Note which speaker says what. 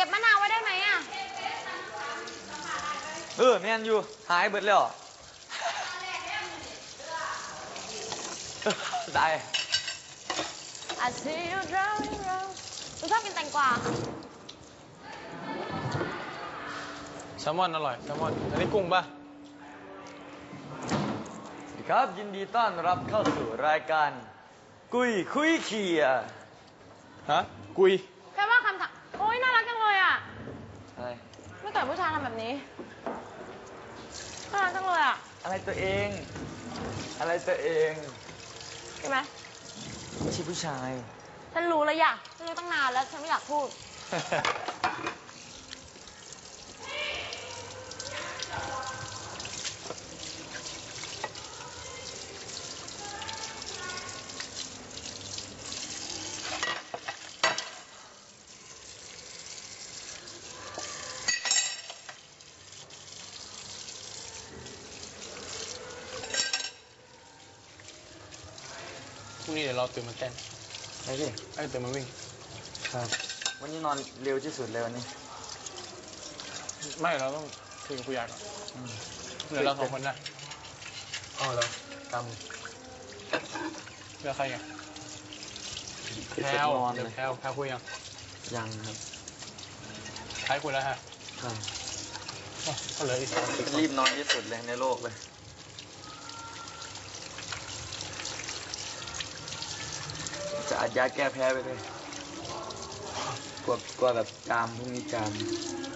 Speaker 1: ก็บมะนาวไว้ได้ไหมอ่ะ
Speaker 2: แม่นอยู่หายเบิดแล้วได้
Speaker 1: I see you drowning round คุณชอบกินแตงกวา
Speaker 3: แซลมอนอร่อยแซลมอนอันนี้กุ้งป่ะ
Speaker 2: สวัสดีครับยินดีต้อนรับเข้าสู่รายการกุยคุยเขีย
Speaker 3: ฮะกุย
Speaker 1: แค่ว่าคำถามโอ๊ยน่ารักจังเลยอ่ะ
Speaker 2: อะไร
Speaker 1: ไม่เคยผู้ชายทำแบบนี้น่ารักจังเลยอ่ะ
Speaker 2: อะไรตัวเองอะไรตัวเอง
Speaker 1: ใช่ไหม
Speaker 2: ไม่ใช่ผู้ชาย
Speaker 1: ฉันรู้แล้วอยากฉันรู้ตั้งนานแล้วฉันไม่อยากพูด
Speaker 3: พรุ่งนี้เดี๋ยวเราตื่นมาเต้น
Speaker 2: ไอ้พี่
Speaker 3: ตื่นมาวิ่ง
Speaker 2: ครับวันนี้นอนเร็วที่สุดเลยวันนี้
Speaker 3: ไม่เราต้องคุยกับผู้ใหญ่ก่อนเหลือเรา2 คนนะ
Speaker 2: อ๋อแล้วก
Speaker 3: เหลือใครอ่ะ
Speaker 2: ำ
Speaker 3: แพลวเดี๋ยวแพลวคุยยัง
Speaker 2: ยังครับ
Speaker 3: ใครคุยแล้วฮะ
Speaker 2: ครับ
Speaker 3: อ๋อก็เหลืออีก2 คน
Speaker 2: รีบนอนที่สุดเลยในโลกเลยจะอัดยาแก้แพ้ไปเลยกลัวแบบจามพรุ่งนี้จาม